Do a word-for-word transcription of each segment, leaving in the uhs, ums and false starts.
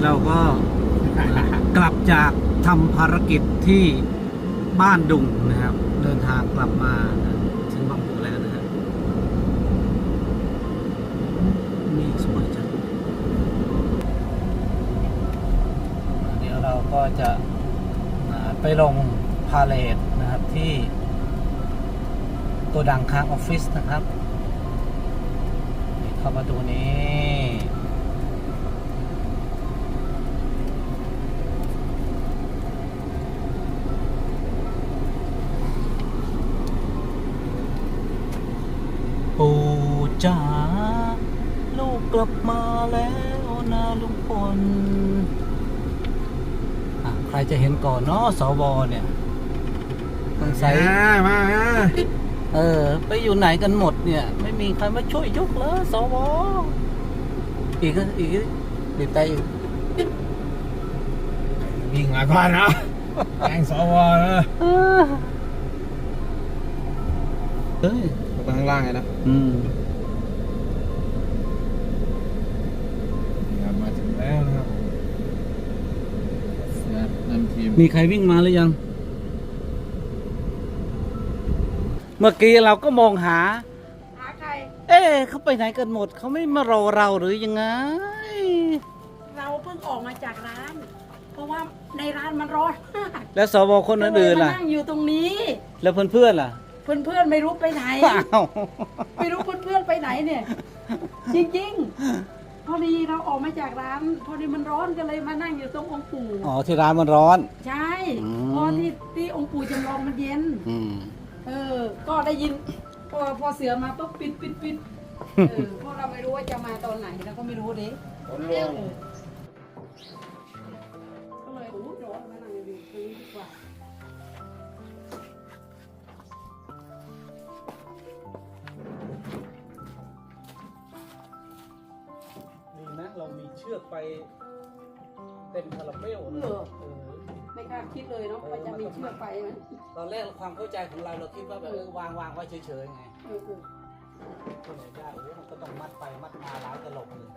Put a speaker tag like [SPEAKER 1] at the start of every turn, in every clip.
[SPEAKER 1] เราก็กลับจากทำภารกิจที่บ้านดุงนะครับ เดินทางกลับมาถึงบางปูแล้วนะครับนี่สวยจังเดี๋ยวเราก็จะไปลงพาเลทนะครับที่โกดังค้างออฟฟิศนะครับเข้ามาดูนี้ปู่จ๋าลูกกลับมาแล้วนะลุงพลใครจะเห็นก่อนเนาะสวเนี่ยสงสัยมาเออไปอยู่ไหนกันหมดเนี่ยไม่มีใครมาช่วยยกเลยสวอีกอีกติดใจอีก
[SPEAKER 2] วิ่งมาก่อนนะแกงสวนะ
[SPEAKER 1] เฮ้ย
[SPEAKER 2] ไปข้างล่างไงนะ
[SPEAKER 1] อืม
[SPEAKER 2] มาถึงแล้วนะครับนั่นทีม
[SPEAKER 1] มีใครวิ่งมาหรือยังเมื่อกี้เราก็มองหา
[SPEAKER 3] หาใคร
[SPEAKER 1] เอ๊ะเขาไปไหนกันหมดเขาไม่มารอเราหรือยังไง
[SPEAKER 3] เราเพิ่งออกมาจากร้าน เพราะว่าในร้านมันร้อนมาก
[SPEAKER 1] แล้วสวคนอื่นๆล่ะ
[SPEAKER 3] นั่งอยู่ตรงนี้
[SPEAKER 1] แล้วเพื่อนๆล่ะ
[SPEAKER 3] เพื่อนๆไม่รู้ไปไหนไม่รู้เพื่อนๆไปไหนเนี่ยจริงๆพอดีเราออกมาจากร้านพอดีมันร้อนก็เลยมานั่งอยู่ตรงองค์ปู่
[SPEAKER 1] อ๋อที่ร้านมันร้อน
[SPEAKER 3] ใช่เพราะที่ที่องค์ปู่จำลองมันเย็นเออก็ได้ยินพอพอเสือมาปุ๊บปิดปิดปิดเออเพราะเราไม่รู้ว่าจะมาตอนไหนเราก็ไม่รู้เด็กก็เลยโอ้ร้อนมานั่งอยู่ตรงนี้ดีกว่า
[SPEAKER 1] ดีนะเรามีเชือกไปเต็มคาราเบลนะ
[SPEAKER 3] ไม่คาดคิดเลยเนาะว่าจะมีเชือกไปไหม
[SPEAKER 1] ตอนแรกความเข้าใจของเราเราคิดว่าแบบเออวางวางไว้เฉยๆไงก็เลยได้โอ้มันก็ต้องมัดไปมัดมาหลายตลบเลย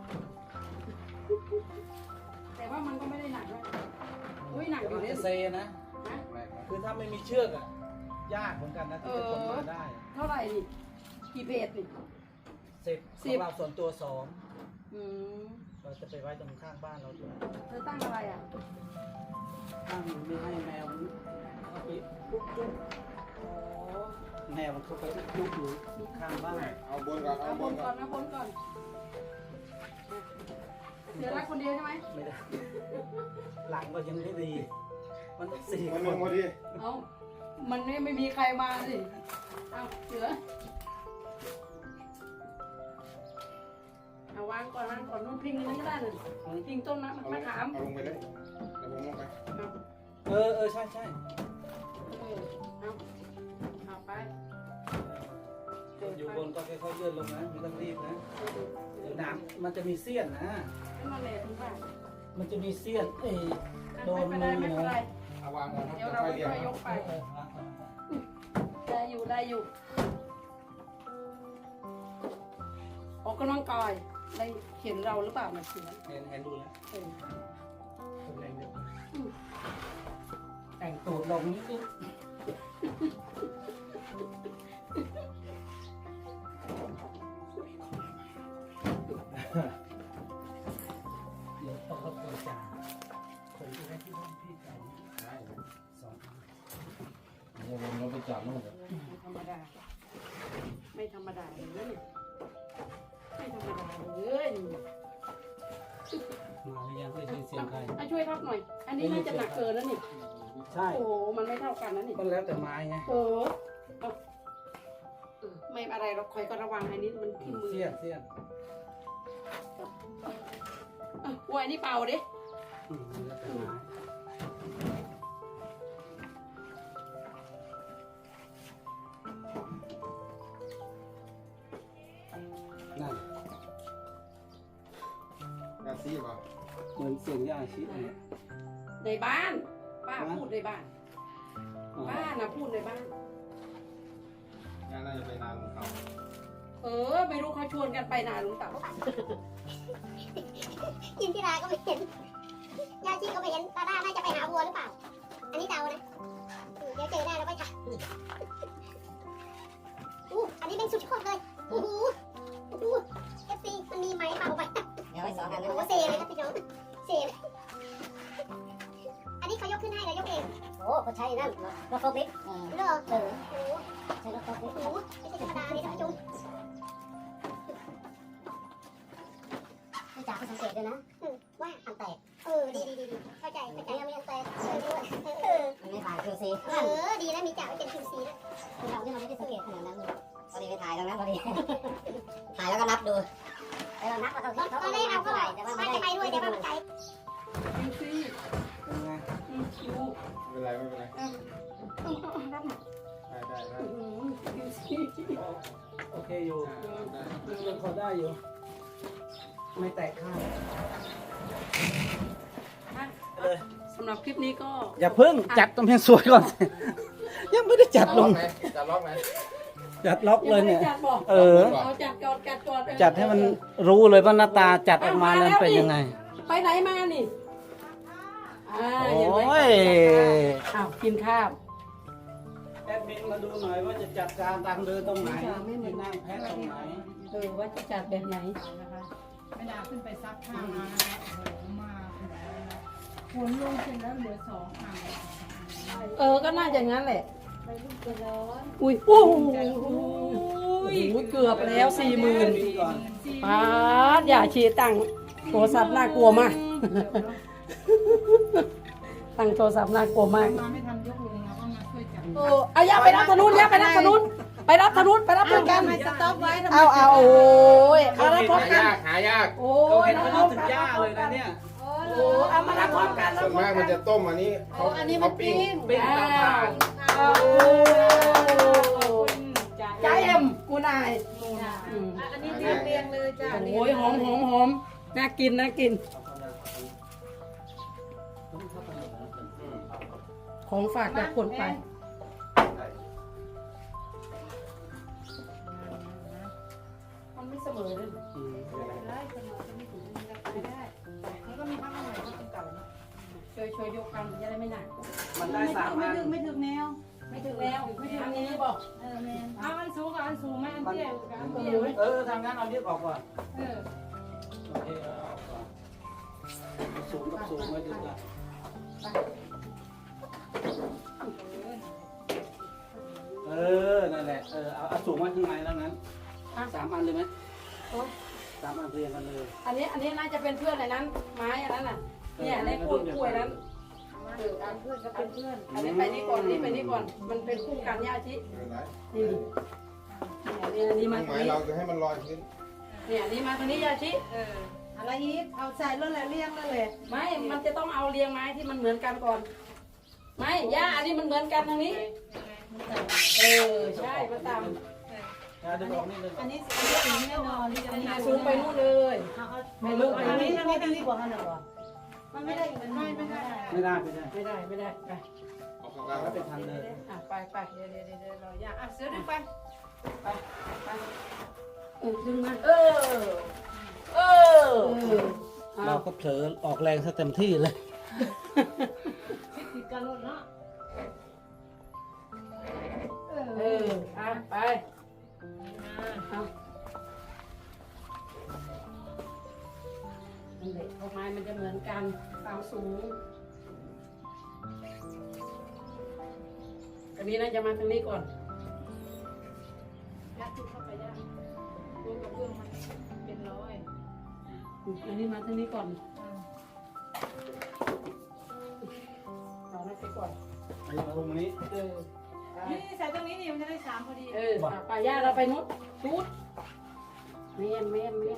[SPEAKER 3] แต่ว่ามันก็ไม่ได้หนักนะอุ้ยหนักอยู่เลย
[SPEAKER 1] เซนะคือถ้าไม่มีเชือกอ่ะยากเหมือนกันนะที่จะขนมาได้
[SPEAKER 3] เท่าไหร่ดิกี่เพจดิ
[SPEAKER 1] สิบของเราส่วนตัวสองเราจะไปไว้ตรงข้างบ้านเราด้วย
[SPEAKER 3] เธอตั้งอะไรอ่ะ
[SPEAKER 1] ตั้งไม่ให้แมวเข้าไปลุกจุ๊บแมวมันเข้าไปลุกอยู่ข้างบ้าน
[SPEAKER 2] เอาบนก่อน
[SPEAKER 3] เอาบนก่อนนะบนก่อนเดี๋ยวรักคนเดียวใช่ไหม
[SPEAKER 1] ไม่ได้หลังก็ยังไม่ดีมันสี่
[SPEAKER 2] คน
[SPEAKER 1] คน
[SPEAKER 2] พอดี
[SPEAKER 3] เอามันไม่ไม่มีใครมาสิเอาเสือเอาวางก่อนวางก่อนนู่นพิงนั้นก็ได้เลยพิงต้นมะมะขาม
[SPEAKER 2] เอาลงไปเลยเดี๋ยวผมลงไป
[SPEAKER 1] เออเออใช่ใช่
[SPEAKER 3] เออเอาเอาไป
[SPEAKER 1] อยู่บนก็ค่อยๆเลื่อนลงนะไม่ต้องรีบนะเดี๋ยวน้ำมันจะมีเสี้ยนนะ
[SPEAKER 3] นั่นแหละถึงว่า
[SPEAKER 1] มันจะมีเสี้ยนเออโดนมือ
[SPEAKER 3] นะ
[SPEAKER 2] เอาวางก่อน
[SPEAKER 3] เดี๋ยวเราค่อยยกไปได้อยู่ได้อยู่ออกกำลังกายได้เห็นเราหรือเปล่านะเสือ
[SPEAKER 1] เห็นเห็นดูแล้วแต่งตูดลงนิดนึงเดี๋ยวต้องรบกวนจ่าคนที่ได้ที่ห้องพี่จ่าได้สอง
[SPEAKER 2] เดี๋ยวผมเราไปจับนู่นเลย
[SPEAKER 3] ไม่ธรรมดาไม่ธรรมดาเลยไม่ธรรมดาเลย
[SPEAKER 1] มาหรือยังไม่ได้เสียงใคร
[SPEAKER 3] ช่วยทับหน่อยอันนี้น่าจะหนักเกินแล้วนี่
[SPEAKER 1] ใช่
[SPEAKER 3] โอ้โหมันไม่เท่ากันนะนี่
[SPEAKER 1] มันแล้วแต่ไม้ไง
[SPEAKER 3] เออไม่อะไรเราคอยก็ระวังอันนี้มันที่มือ
[SPEAKER 1] เสี้ยนเสี้ยน
[SPEAKER 3] โอ้ยนี่เป่าดิ
[SPEAKER 1] แล้วแต่ไม้นั่น
[SPEAKER 2] ยาซีป่ะ
[SPEAKER 1] เหมือนเสียงยาชี
[SPEAKER 3] ในบ้านป้าพูดในบ้านป้านะพูดในบ้าน
[SPEAKER 2] งานน่าจะไปนานของเขา
[SPEAKER 3] เอเออไม่รู้เขาชวนกันไปนาลุงเต่า
[SPEAKER 4] ยินทิราก็ไม่เห็นยาชีก็ไม่เห็นตาด้าน่าจะไปหาวัวหรือเปล่า อันนี้เดานะอืมเดี๋ยวเจอหน้าแล้วไปค่ะอู้อันนี้เป็นสุดยอดเลยโอ้โหโอ้โหเอฟซีมันมีไหมเปล่าไป
[SPEAKER 5] เดี๋ยวไว้สองอัน
[SPEAKER 4] โอ้โหเซเลยครับพี่น้องเซเลยอันนี้เขายกขึ้นให้แล้วยกเอง
[SPEAKER 5] โอ้เขาใช้นั่นรถโฟล์คลิฟต์เออ
[SPEAKER 4] เหรอ
[SPEAKER 5] เออ
[SPEAKER 4] โอ้โห
[SPEAKER 5] ใช้รถโฟล์คลิฟต์
[SPEAKER 4] โอ้โหไม่ใช่ธรรมดาเลยท่านผู้ชม
[SPEAKER 5] ไม่จ่าเขาสังเกตด้วยนะ
[SPEAKER 4] อืมว่า
[SPEAKER 5] อันแตก
[SPEAKER 4] เออดีดีดีดีเข้าใจเข้าใจ
[SPEAKER 5] ยังไม่อันแตก
[SPEAKER 4] เออด้วยเออ
[SPEAKER 5] มันไม่ผ่านคิวซี
[SPEAKER 4] เออดีแล้วมีจ่าไว้เป็นคิวซีนะ
[SPEAKER 5] คือเราที่เราไม่ได้สังเกตขนาดนั้นพอดีไปถ่ายตรงนั้นพอดี ถ่ายแล้วก็นับดูแล้วเรานับว่าเขาเขา
[SPEAKER 4] ตอนแรกเราก็
[SPEAKER 5] ไห
[SPEAKER 4] ว่า
[SPEAKER 5] ร่แต่ว่า
[SPEAKER 4] ว่า
[SPEAKER 5] ไม่
[SPEAKER 4] จะ
[SPEAKER 5] ได้
[SPEAKER 4] ไปด้วยแต่ว่ามันไกล
[SPEAKER 3] คิวซี่
[SPEAKER 1] เป็นไง
[SPEAKER 3] คิว
[SPEAKER 2] ไม่เป็นไรไม่เป็นไร
[SPEAKER 3] รับหน่อย
[SPEAKER 2] ได้ได้ได้
[SPEAKER 3] คิวซี่
[SPEAKER 1] โอเคอยู่
[SPEAKER 2] อ่าได้
[SPEAKER 1] ยังพอได้อยู่ ไม่แตกข้าง
[SPEAKER 3] สำหรับคลิปนี้ก็
[SPEAKER 1] อย่าเพิ่งจัดตรงเพียงสวยก่อน ยังไม่ได้จัดล
[SPEAKER 2] ล็อง กไหมจะล็อกไหม
[SPEAKER 1] จัดล็อกเลยเนี่ย
[SPEAKER 3] งไม่ได้จัดบอก
[SPEAKER 1] เออ
[SPEAKER 3] เอาจัดก่อนจัดก่อน
[SPEAKER 1] จัดให้มันรู้เลยว่าหน้าตาจัดออกมาแล้วเป็นยังไง
[SPEAKER 3] ไปไหนมานี่อ่า
[SPEAKER 1] โอ
[SPEAKER 3] เห็นไหม้
[SPEAKER 1] ย
[SPEAKER 3] อ้าวกินข้าว
[SPEAKER 1] แอดมินมาดูหน่อยว่าจะจัดการทางเดินตรงไหนไม่นั่งแพ้ตรงไหน
[SPEAKER 3] เออว่าจะจัดแบบไหน
[SPEAKER 6] นะคะไม่ดาขึ้นไปซักผ้ามานะคะโอ้โหมาขนาดนั้นนะฝนลงเสร็จแล้วเหลือสองอ่าง
[SPEAKER 3] เออก็น่าจะงั้นแหละ
[SPEAKER 6] ไปลูกกระร้อน
[SPEAKER 3] อุ้ยโอ้โหเกือบแล้วสี่หมื่นปาดอย่าชีตั้งโทรศัพท์น่ากลัวมาก ตั้งโทรศัพท์น่ากลัวมาก
[SPEAKER 6] มาไม่ทันยกลงเราก็มาช่วยจับ
[SPEAKER 3] โอ้เอาย่าไปรับธนุนย่าไปรับธนุนไปรับธนุนไปรับเพื่อนกัน
[SPEAKER 6] สต็อปไว้ทำไม
[SPEAKER 3] เอาเอาโอ้ยเอารับพร้อม
[SPEAKER 2] หา
[SPEAKER 3] กัน
[SPEAKER 2] ยากหายาก
[SPEAKER 3] โอ้
[SPEAKER 1] เขา
[SPEAKER 3] ย
[SPEAKER 1] เห็น
[SPEAKER 3] รับ
[SPEAKER 1] เขา
[SPEAKER 3] พร้อม
[SPEAKER 1] ถึง
[SPEAKER 3] กัน
[SPEAKER 1] ย่าเลยนะเนี่ย
[SPEAKER 3] โอ้เอามารับพร้อมกัน
[SPEAKER 2] ส่วนมากมันจะต้มอันนี้เขาเขาปิ้ง
[SPEAKER 1] ปิ้งเตาถ่าน
[SPEAKER 3] โอ้
[SPEAKER 6] จ้า
[SPEAKER 3] ใจเอ็มกูนาย
[SPEAKER 6] อืมอันนี้เรียงเรียงเลยจ้า
[SPEAKER 3] โอ้ยหอมหอมหอมน่ากินน่ากิน ของฝากจากคนไป มันไม่เสมอเลย
[SPEAKER 1] อืม
[SPEAKER 6] ได้ขนมจะไม่ถึงจะไปได้แล้วก็มีพักใหม่ที่เป็นเก่าเนาะ
[SPEAKER 3] ช่วยช่วยยกกันจะได้ไม่หนัก
[SPEAKER 1] มันได้สาม
[SPEAKER 6] ไม่
[SPEAKER 1] อัน
[SPEAKER 6] ถึงไม่ถึงแนว
[SPEAKER 3] ไม่ถึงแล้วไม่ถึงอันนี้บอก
[SPEAKER 6] เออแมนเอาอันสูงกับอันสูงไหมอัน
[SPEAKER 1] มัน
[SPEAKER 6] เตี้ยกับอัน
[SPEAKER 1] เอ
[SPEAKER 6] เตี้ย
[SPEAKER 1] อ
[SPEAKER 6] ไหม
[SPEAKER 1] เออทางนั้นเอาเรียกออกก่อน
[SPEAKER 6] เออ
[SPEAKER 1] โอเคเอาออกก่อนสูงกับสูงไว้ดูกันเออนั่นแหละเออเอาเอาสูงไว้ข้างในแล้วนั้นสามอันเลยไหมสามอันเรียงกันเลย
[SPEAKER 3] อันนี้อันนี้น่าจะเป็นเพื่อนในนั้น ไม้อันนั้นน่ะเนี่ยในกล้วยกล้วยนั้นเอออันเพื่อนก็เป็นเพื่อนอันนี้ไปนี่ก่อนนี่ไปนี่ก่อนมันเป็นคู่กันเนี่ยอาชิ
[SPEAKER 2] ไม่เป็นไร
[SPEAKER 3] นี่นี่อันนี้มา
[SPEAKER 2] ห
[SPEAKER 3] ทาง
[SPEAKER 2] มาย
[SPEAKER 3] นี้
[SPEAKER 2] เราจะให้มันลอยขึ้น
[SPEAKER 3] เนี่ยอันนี้มาทางนี้ยาชิ
[SPEAKER 6] เอออะไรอีกเอาใส่แล้วแหละเรียงแล้วแหละ
[SPEAKER 3] ไม่มันจะต้องเอาเรียงไม้ที่มันเหมือนกันก่อนไม่ย่าอันนี้มันเหมือนกันทางนี้ เออใช่ก็ตาม
[SPEAKER 1] อ่ะดึงออกนี่ดึงอ
[SPEAKER 6] อั
[SPEAKER 1] อน ก
[SPEAKER 6] นี้อันนี้ถึงแน่นอนที่จะ
[SPEAKER 3] อัน
[SPEAKER 6] ได้
[SPEAKER 3] นี้สูงไปนู่นเลย
[SPEAKER 6] ไม่รู้อันนี้อันนี้ดีกว่าขนาดว่ามันไม่ได้ไม่ไม่ได้
[SPEAKER 1] ไม่ได้ไม่ได้
[SPEAKER 3] ไม่ได้ไม่ได้ไป
[SPEAKER 2] เอาข้างล่าง
[SPEAKER 1] แล้ว
[SPEAKER 2] เป็
[SPEAKER 1] เป็น นทางเดิน
[SPEAKER 3] อ่ะไปไป
[SPEAKER 6] เดี๋ยวเดี๋ยวเดี๋ยวเราอย่าอ่ะเสือดึงไป
[SPEAKER 3] ไปไปเออดึงมาเออเออเออ
[SPEAKER 1] เราก็เผลอออกแรงซะเต็มที่เลย
[SPEAKER 6] ติดกันรถเนาะเอ
[SPEAKER 3] เอ
[SPEAKER 6] อ
[SPEAKER 3] ออ่ะไปเอานั่นแหละพวกไม้มันจะเหมือนกันความสูงอันนี้น่าจะมาทางนี้ก่อน
[SPEAKER 6] ยัดจุดเข้าไปย่าตัวกับเบื้องมันเป็นร้อย
[SPEAKER 3] อันนี้มาทางนี้ก่อนเอาให้ไปก่อน
[SPEAKER 1] ไอ้ตรงนี้
[SPEAKER 3] เออไป
[SPEAKER 6] นี่ใส่ตรงนี้นี่มันจะได้สามพอดี
[SPEAKER 3] เออไปย่าเราไปนู้นตูดเมียนเมียนเมียน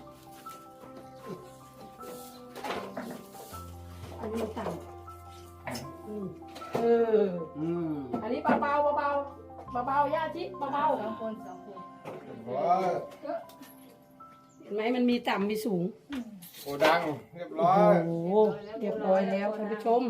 [SPEAKER 3] อันนี้ต่ำอืมเออ
[SPEAKER 1] อืม
[SPEAKER 3] อันนี้เบาเบาเบาเบาเบาเบาย่าชิเบาเบา
[SPEAKER 6] สองคนสองคน
[SPEAKER 2] โอ้ย
[SPEAKER 3] เห็นไหมมันมีต่ำมีสูง
[SPEAKER 2] โอ้ดังเรียบร้อ
[SPEAKER 3] โอ้
[SPEAKER 2] ย
[SPEAKER 3] โหเรียบร้อยแล้วท่านผู้ชม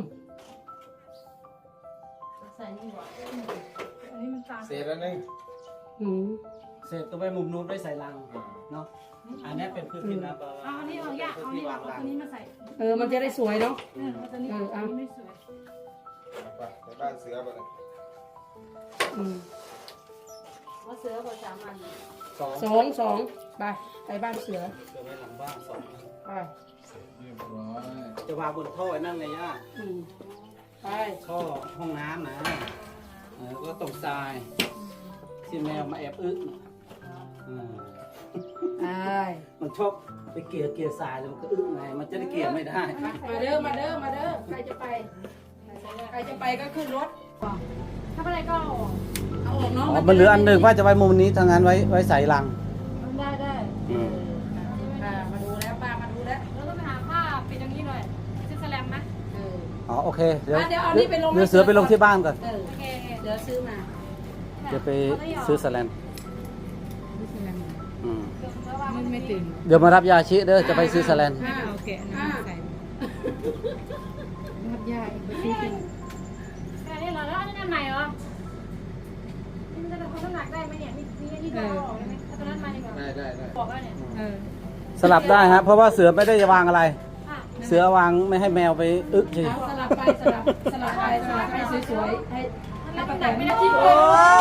[SPEAKER 6] ใส่นี่หว่าอันนี้มันตาม
[SPEAKER 2] เสร็จแล้วนึง
[SPEAKER 3] อืม
[SPEAKER 1] เสร็จตัวไปมุมนู้นไปใส่ลังเนาะอันนี้เป็นพื้นที่นะ
[SPEAKER 6] เอาอันนี้เอายากเอาอันนี้เอาตัวนี้มาใส่
[SPEAKER 3] เออมันจะได้สวยเนาะ
[SPEAKER 6] เออเอาตัวนี้เอาตัวนี้ไม่สวย
[SPEAKER 2] ไปไปบ้านเสือไปเลย
[SPEAKER 3] อืม
[SPEAKER 6] ว่าเสือกว่าสามอัน
[SPEAKER 1] สอง
[SPEAKER 3] สองสองไปไปบ้านเสือ
[SPEAKER 1] เสือไว้หลังบ้านสอง
[SPEAKER 3] ไป
[SPEAKER 2] เรียบร้อย
[SPEAKER 1] จะวางบนท่อไอ้นั่นไงย่า
[SPEAKER 3] อืมไป
[SPEAKER 1] ท่อห้องน้ำนะเออก็ตกทรายที่แมวมาแอบอึน่ะอืม
[SPEAKER 3] ไป
[SPEAKER 1] มันชอบไปเกลี่ยเกลี่ยทรายแล้วมันก็อึไงมันจะได้เกลี่ยไม่ได้
[SPEAKER 3] มาเด้อมาเด้อมาเด้อใครจะไปใครจะไปก็ขึ้นรถ
[SPEAKER 6] ถ้าไม่ได้ก็เอาออก
[SPEAKER 3] เอาออกเนาะ
[SPEAKER 1] อ๋อมันเหลืออันหนึ่งว่าจะไว้มุมนี้ทางนั้นไว้ไว้ใส่ลัง
[SPEAKER 6] ได้ได้
[SPEAKER 1] อืม
[SPEAKER 3] ป้ามาดูแล้วป้ามาดูแล้ว
[SPEAKER 6] เราต้องไปหาผ้าปิดอย่างนี้หน่อยซื้อแสลมนะ
[SPEAKER 3] เออ
[SPEAKER 1] อ๋อโอเคเดี๋ยว
[SPEAKER 3] อ่ะเดี๋ยวเอานี่ไปลง
[SPEAKER 1] เดี๋ยวเสือไปลงที่บ้านก่อน
[SPEAKER 3] เออ
[SPEAKER 6] โอเค
[SPEAKER 3] เดี๋ยวซื้อมา
[SPEAKER 1] จะไปซื้อสแลนอืม
[SPEAKER 6] ไม่ไม่ตื่น
[SPEAKER 1] เดี๋ยวมารับยาชิเด้อจะไปซื้อสแลน
[SPEAKER 3] อ่า
[SPEAKER 6] โอเค
[SPEAKER 3] อ่า
[SPEAKER 6] รับยาอีกไปซื้อกินแค่นี้เหรอแล้วอันนี้อันใหม่เหรอนี่มันจะทำน้ำหนักได้ไหมเนี่ยมีมีอันนี้ก็เอาออกได้ไหมเอาตัวนั้นมาดีกว่า
[SPEAKER 2] ได้ได้ได้
[SPEAKER 6] บอกแล้วเนี่ย
[SPEAKER 3] เออ
[SPEAKER 1] สลับได้ฮะเพราะว่าเสือไม่ได้จะวางอะไร
[SPEAKER 6] อ่ะ
[SPEAKER 1] เสือวางไม่ให้แมวไปอึเฉย
[SPEAKER 3] เอาสลับไปสลับสลับไปสลับให้สวยๆให้
[SPEAKER 6] มัน
[SPEAKER 3] ให้
[SPEAKER 6] รับ
[SPEAKER 3] ประ
[SPEAKER 6] น้ำห
[SPEAKER 3] แต
[SPEAKER 6] นัก
[SPEAKER 3] น
[SPEAKER 6] ไม่
[SPEAKER 3] ไม่
[SPEAKER 6] ได้
[SPEAKER 3] ได้
[SPEAKER 6] ที่
[SPEAKER 3] ที่
[SPEAKER 6] โอ้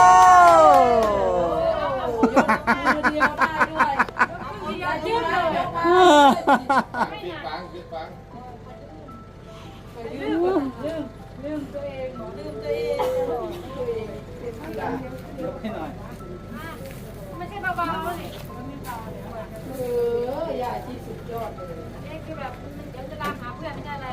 [SPEAKER 3] ยกมือเดียวได้ด้วย
[SPEAKER 6] ยยืดเลย
[SPEAKER 2] ปิดฟังปิดฟัง
[SPEAKER 6] ลืมลืมลืมตัวเองเหรอลืมตัวเอง
[SPEAKER 1] ยกให้หน่อย
[SPEAKER 6] ไม่ใช่เบาๆนี่มันไม่เบาเลย
[SPEAKER 3] เออยาที่สุดยอดเลย
[SPEAKER 6] นี่คือแบบมันเดี๋ยวจะตามหาเพื่อนไม่ใช่อะไร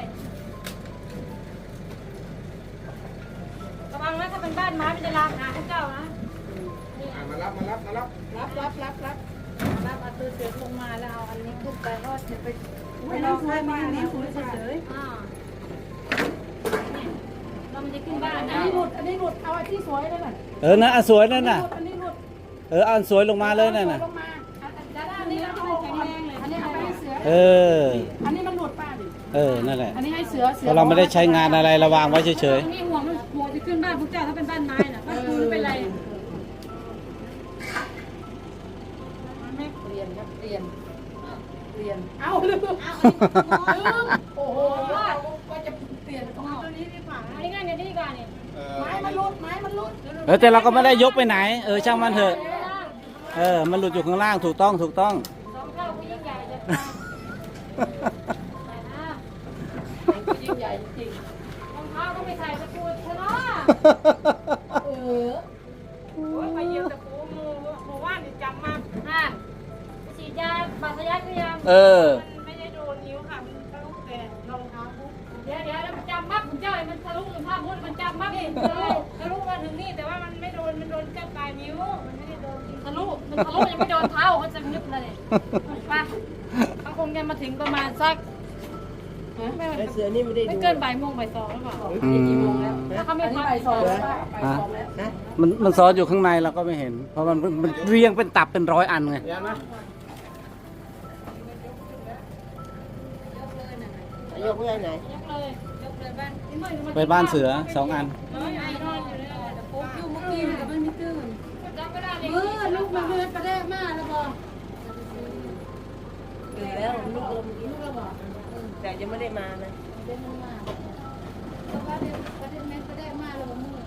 [SPEAKER 6] ระวังนะถ้าเป็นบ้านไม้มันจะลามหาพวกเจ้านะนี่
[SPEAKER 2] อ่ะมารับมารับมารับ
[SPEAKER 3] รับรับรับรับ
[SPEAKER 6] รับเอาตัวเสือลงมาแล้วเอาอันนี้ขึ้นไปก็จะไป
[SPEAKER 3] ไม่ต้องใช้มานี่คุณเฉย
[SPEAKER 6] อ่าเรามันจะขึ้นบ้าน
[SPEAKER 3] อัน
[SPEAKER 6] นะ
[SPEAKER 3] นี้หลุดอันนี้หลุดเอาอันที่สวยเลยน่ะ
[SPEAKER 1] เออนะอันสวยนั่นน่ะ
[SPEAKER 3] อันนี้หลุด
[SPEAKER 1] เอออันสวยลงมาเลยนั่นน่ะ
[SPEAKER 3] ลงมา
[SPEAKER 6] ด้านนี้เราต้องแข็งแรงเลย
[SPEAKER 3] อันนี้เอาไปให้เสือ
[SPEAKER 1] เออ
[SPEAKER 3] อันนี้มันหลุดป้าดิ
[SPEAKER 1] เออนั่นแหละ
[SPEAKER 3] อันนี้ให้เสือเสื
[SPEAKER 1] เพราะเราไม่ได้ใช้งานอะไรระวางไว้เฉย
[SPEAKER 6] นี่ห่วงห่วงจะขึ้นบ้านพวกเจ้าถ้าเป็นบ้านไม้น่ะบ้านปูนเป็นไร
[SPEAKER 3] เปลี่ยนครับเปลี่ยนเปลี่ยนเอาลืมลืมโอ้โหว่าจะเปลี่ยนต้องเอา
[SPEAKER 6] ตัวนี้ดีกว่าอันนี้ง่ายเนี่ยดีกว่าเนี่ย
[SPEAKER 2] เออ
[SPEAKER 3] ไม้มันหลุดไม้มันหลุด
[SPEAKER 1] ๆเออแต่เราก็ไม่ได้ยกไปไหน เออช่างมันเถอะ เออมันหลุดอยู่ข้างล่างถูกต้องถูกต้อง
[SPEAKER 6] สองเท่าผู้ยิ่งใหญ่จะตายแต่นะ
[SPEAKER 3] ยิ่งใหญ่จริง
[SPEAKER 6] รองเท้าก็ไม่ใส่ตะปูชนะ
[SPEAKER 3] เออ
[SPEAKER 6] โอ้ยไปเยี่ยมตะปูมูมูว่านนี่จำมาห่านฉีดยาบาดทะยักหรือยัง
[SPEAKER 1] เออ
[SPEAKER 6] มันไม่ได้โดนนิ้วค่ะมันทะลุแต่รองเท้าปุ๊บเดี๋ยวเดี๋ยวแล้วมันจำมัดผมเจ้าไอ้มันทะลุถึงผ้ามุดมันจำมัดนี่ทะลุทะลุมาถึงนี่แต่ว่ามันไม่โดนมันโดนเจ้าปลายนิ้วมันไม่ได้โดนทะลุมันทะลุยังไม่โดนเท้าเขาจะนึกเลยป่ะเขาคงจะมาถึงประมาณสักไม่
[SPEAKER 3] เสือนี่ไม่ได้
[SPEAKER 6] ไม่
[SPEAKER 3] ดู
[SPEAKER 6] เกินบ่ายโมงบ่ายสองหรือเปล่า
[SPEAKER 1] อืม
[SPEAKER 6] ถ้าเขา
[SPEAKER 3] อั
[SPEAKER 6] ไม่
[SPEAKER 3] นนี้
[SPEAKER 6] พัก
[SPEAKER 3] ใบซองแล้วใบซองแล้ว
[SPEAKER 1] มันมันซ้อนอยู่ข้างในเราก็ไม่เห็น เพราะมันมันเรียงเป็นตับเป็นร้อยอันไง
[SPEAKER 2] เดี๋ยวนะ
[SPEAKER 3] ยกเพื่อนไหน
[SPEAKER 6] ยกเลยยกเลยบ้านนี่มัน
[SPEAKER 1] ไปบ้านเสือสองอัน
[SPEAKER 6] น้อยไอ้นอนอยู่เลยแต่ปุ๊บอยู่เมื่อกี้แต่มันไม่ตื่นจำไม่ได้เลย
[SPEAKER 3] เออลูกมันเลือดกระแดกมากแล้วบอกแล้วลูกลมลูกแล้วบอกแต่ยังไม่ได้มานะ
[SPEAKER 6] เป็นมาเพราะว่าเดี๋ยวประเด็นแม่กระแดกมากเลยว่ามือ